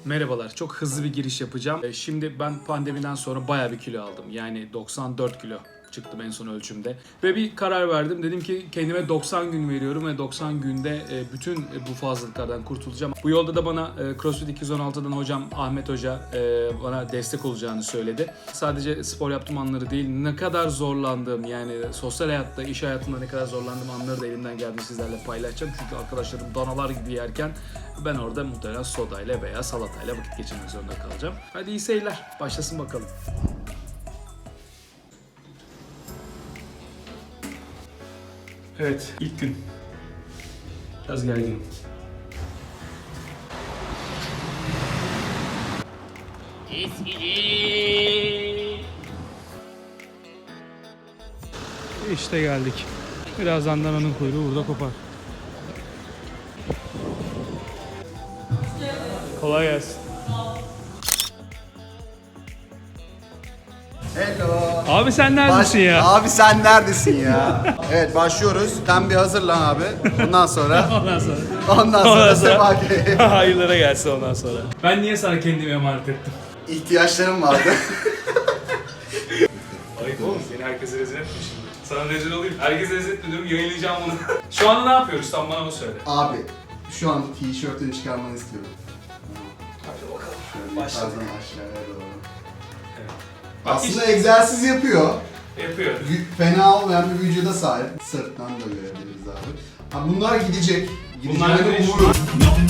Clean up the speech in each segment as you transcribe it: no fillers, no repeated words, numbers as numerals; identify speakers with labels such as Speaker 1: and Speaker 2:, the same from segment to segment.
Speaker 1: Merhabalar, çok hızlı bir giriş yapacağım. Şimdi ben pandemiden sonra bayağı bir kilo aldım. Yani 94 kilo çıktım en son ölçümde. Ve bir karar verdim. Dedim ki kendime 90 gün veriyorum ve 90 günde bütün bu fazlalıklardan kurtulacağım. Bu yolda da bana CrossFit 216'dan hocam Ahmet Hoca bana destek olacağını söyledi. Sadece spor yaptığım anları değil, ne kadar zorlandığım, yani sosyal hayatta, iş hayatında ne kadar zorlandığım anları da elimden geldiğince sizlerle paylaşacağım. Çünkü arkadaşlarım danalar gibi yerken ben orada muhtemelen sodayla veya salatayla vakit geçirmek zorunda kalacağım. Hadi iyi seyirler. Başlasın bakalım. Evet, ilk gün. Biraz gerginim. İşte geldik. Birazdan dananın kuyruğu burada kopar. Kolay gelsin.
Speaker 2: Hello.
Speaker 1: Abi sen neredesin ya?
Speaker 2: Abi sen neredesin ya? Evet başlıyoruz. Sen bir hazırlan abi. Ondan sonra
Speaker 1: Ondan sonra
Speaker 2: Sebaki.
Speaker 1: hayırlara gelsin ondan sonra. Ben niye sana kendimi emanet ettim?
Speaker 2: İhtiyaçlarım vardı.
Speaker 1: Ayıp oğlum, seni herkese rezil etme şimdi. Sana rezil olayım. Herkese rezil etme diyorum, yayınlayacağım bunu. Şu anda ne yapıyoruz? Tam bana onu söyle.
Speaker 2: Abi şu an tişörtünü çıkarmanı istiyorum.
Speaker 1: Hadi bakalım.
Speaker 2: Şöyle
Speaker 1: Başladık.
Speaker 2: yukarıdan aşağıya doğru.
Speaker 1: Evet.
Speaker 2: Aslında egzersiz yapıyor.
Speaker 1: Yapıyor.
Speaker 2: Fena olmayan bir vücuda sahip. Sırttan da görebiliriz abi. Ha, bunlar gidecek.
Speaker 1: Bunlar
Speaker 2: Gideceğini
Speaker 1: değişiyor.
Speaker 2: umurum.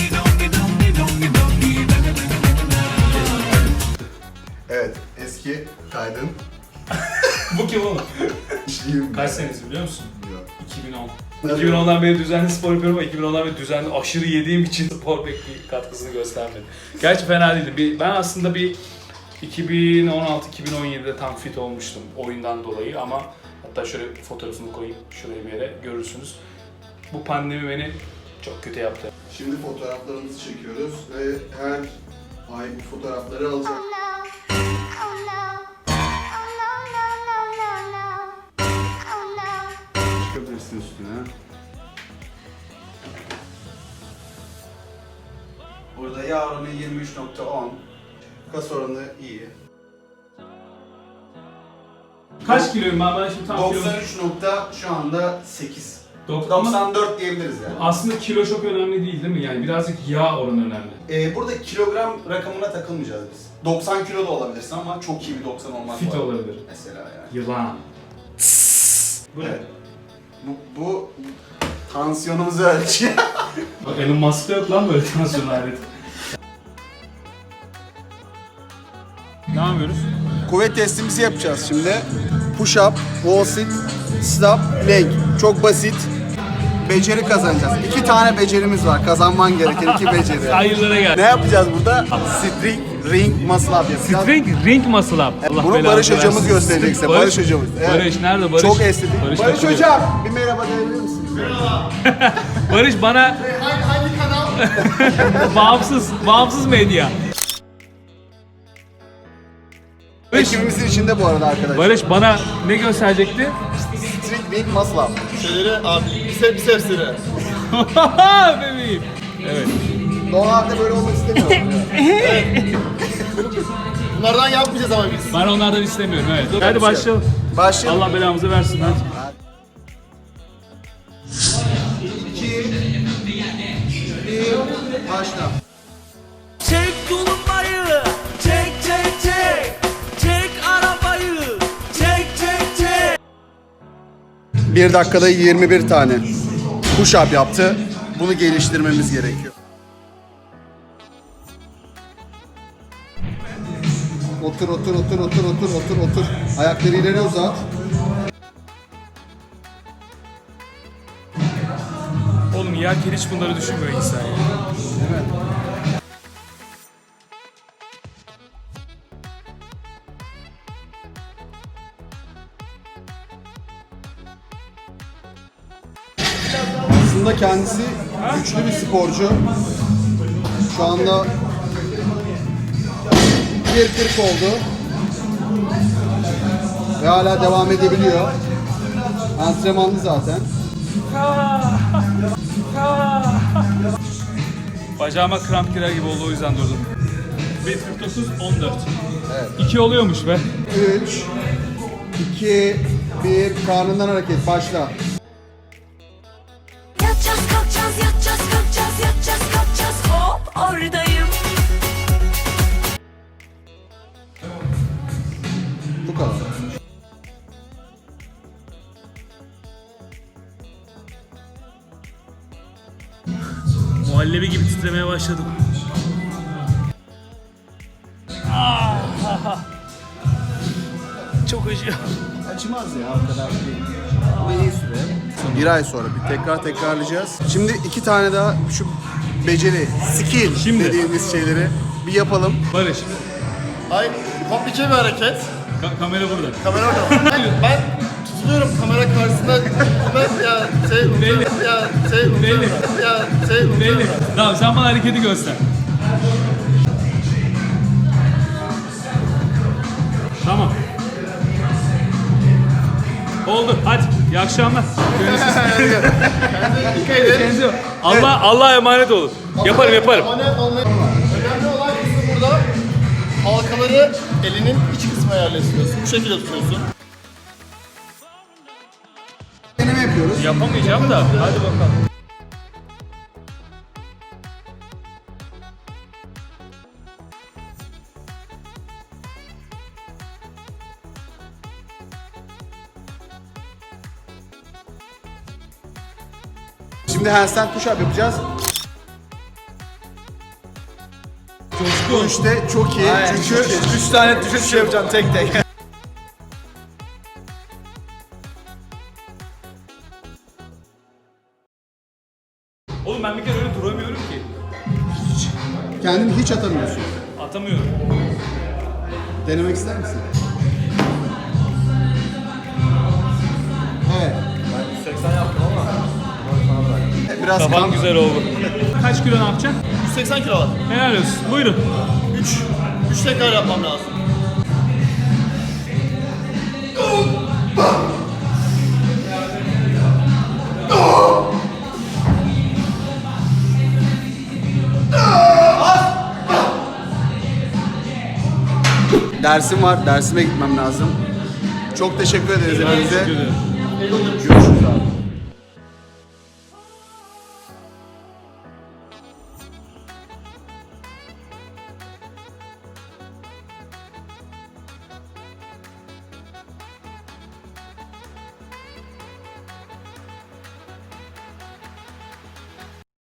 Speaker 2: Evet, eski kaydın.
Speaker 1: Bu kim oğlum?
Speaker 2: İşliyim.
Speaker 1: Kaç senesi biliyor musun?
Speaker 2: Yok.
Speaker 1: 2010. 2010'dan beri düzenli spor yapıyorum ama 2010'dan beri düzenli aşırı yediğim için spor pek bir katkısını göstermedi. Gerçi fena değildi. Ben aslında bir 2016-2017'de tam fit olmuştum oyundan dolayı ama hatta şöyle fotoğrafını koyayım şuraya bir yere görürsünüz. Bu pandemi beni çok kötü yaptı.
Speaker 2: Şimdi fotoğraflarımızı çekiyoruz ve her ay bu fotoğrafları alacak. Çıkabilirsin üstüne. Burada yağ oranı 23.10. Kas oranı iyi.
Speaker 1: Kaç kiloyum ben şimdi tam
Speaker 2: 93 nokta şu anda 8.
Speaker 1: kilo...
Speaker 2: 94 diyebiliriz yani.
Speaker 1: Aslında kilo çok önemli değil değil mi? Yani birazcık yağ oranı önemli.
Speaker 2: Burada kilogram rakamına takılmayacağız biz. 90 kilo da olabilirsin ama çok iyi bir 90 olmak
Speaker 1: Fit
Speaker 2: var.
Speaker 1: olabilir.
Speaker 2: Mesela yani.
Speaker 1: Yılan. Bu ne?
Speaker 2: Evet. Bu tansiyonumuzu ölçüyor.
Speaker 1: Bak Elon Musk'ta yok lan böyle tansiyon aleti. Ne yapıyoruz?
Speaker 2: Kuvvet testimizi yapacağız şimdi. Push up, wall sit, stop, leg. Çok basit. Beceri kazanacağız. 2 tane becerimiz var. Kazanman gereken 2 beceri.
Speaker 1: Hayırlara gel.
Speaker 2: Ne yapacağız burada? String, ring, muscle up yapacağız.
Speaker 1: Ring muscle up. Allah
Speaker 2: Bunu
Speaker 1: belanı
Speaker 2: Barış hocamız
Speaker 1: versin.
Speaker 2: gösterecek size. Barış hocamız. Evet.
Speaker 1: Barış nerede Barış?
Speaker 2: Çok estetik. Barış
Speaker 1: takılıyor.
Speaker 2: hocam bir merhaba diyebilir misiniz? Merhaba.
Speaker 1: Barış bana
Speaker 2: Hangi kanal?
Speaker 1: bağımsız medya.
Speaker 2: Ekibimizin içinde bu arada arkadaşlar.
Speaker 1: Barış bana ne gösterecekti?
Speaker 2: String, ring, muscle up.
Speaker 3: Şeyleri abi bisepsleri.
Speaker 1: Bebeğim. Evet.
Speaker 2: Normalde böyle olmak istemiyorum.
Speaker 3: Bunlardan yapmayacağız ama biz.
Speaker 1: Ben onlardan istemiyorum evet. Hadi başlayalım.
Speaker 2: Başlayalım.
Speaker 1: Allah belamızı versin hadi.
Speaker 2: 2 1 başla.
Speaker 4: Çek tulumbayı, çek çek çek, çek arabayı, çek çek çek.
Speaker 2: 1 dakikada 21 tane push up yaptı. Bunu geliştirmemiz gerekiyor. Otur. Ayakları ileri uzat.
Speaker 1: Oğlum yerken hiç bunları düşünmüyor insan ya.
Speaker 2: Evet. Aslında kendisi güçlü bir sporcu. Şu anda 1.40 oldu. Ve hala devam edebiliyor. Antrenmanlı zaten.
Speaker 1: Bacağıma kramp girer gibi oldu, o yüzden durdum. 1.49, 14. Evet. 2 oluyormuş be.
Speaker 2: 3, 2, 1, karnından hareket, başla.
Speaker 5: Yatacağız kalkacağız yatacağız kalkacağız yatacağız kalkacağız hop oradayım.
Speaker 2: Bu kadar.
Speaker 1: Muhallebi gibi titremeye başladım. Çok acıyor.
Speaker 2: Acımaz ya o kadar değil. Ama iyi süre. Bir ay sonra bir tekrarlayacağız. Şimdi 2 tane daha şu beceri, skill
Speaker 1: Şimdi.
Speaker 2: dediğimiz şeyleri bir yapalım.
Speaker 1: Barış,
Speaker 3: Hayır, komplike bir hareket.
Speaker 1: kamera burada.
Speaker 3: Kamera orada. Ben tutuluyorum kamera karşısında. Ben ya
Speaker 1: Belli. Belli. Belli. Tamam, sen bana hareketi göster. Tamam. Oldu. Hadi. İyi akşamlar. Kendinize Allah'a emanet olun. Yaparım.
Speaker 3: Abone olmayı önemli olan kısmı burada. Halkaları elinin iç kısmına yerleştiriyorsun. Bu şekilde tutuyorsun.
Speaker 2: Deneme yapıyoruz.
Speaker 1: Yapamayacağım da. Hadi bakalım.
Speaker 2: Şimdi handstand push-up yapacağız. Bu işte çok iyi. Çünkü
Speaker 3: 3 tane düşüş yapacağım tek tek.
Speaker 1: Oğlum ben bir kere öyle duramıyorum ki.
Speaker 2: kendini hiç atamıyorsun.
Speaker 1: Atamıyorum.
Speaker 2: Denemek ister misin? Evet.
Speaker 3: Ben 180 yaptım ama.
Speaker 2: Biraz
Speaker 1: Kafan
Speaker 2: kan.
Speaker 1: güzel oldu. Kaç kilo ne yapacaksın?
Speaker 3: 180 kilo var.
Speaker 1: Helal olsun. Buyurun.
Speaker 3: 3 tekrar yapmam lazım.
Speaker 2: Dersim var. Dersime gitmem lazım. Çok teşekkür ederiz hepinize.
Speaker 1: Teşekkür ederim.
Speaker 2: Görüşürüz.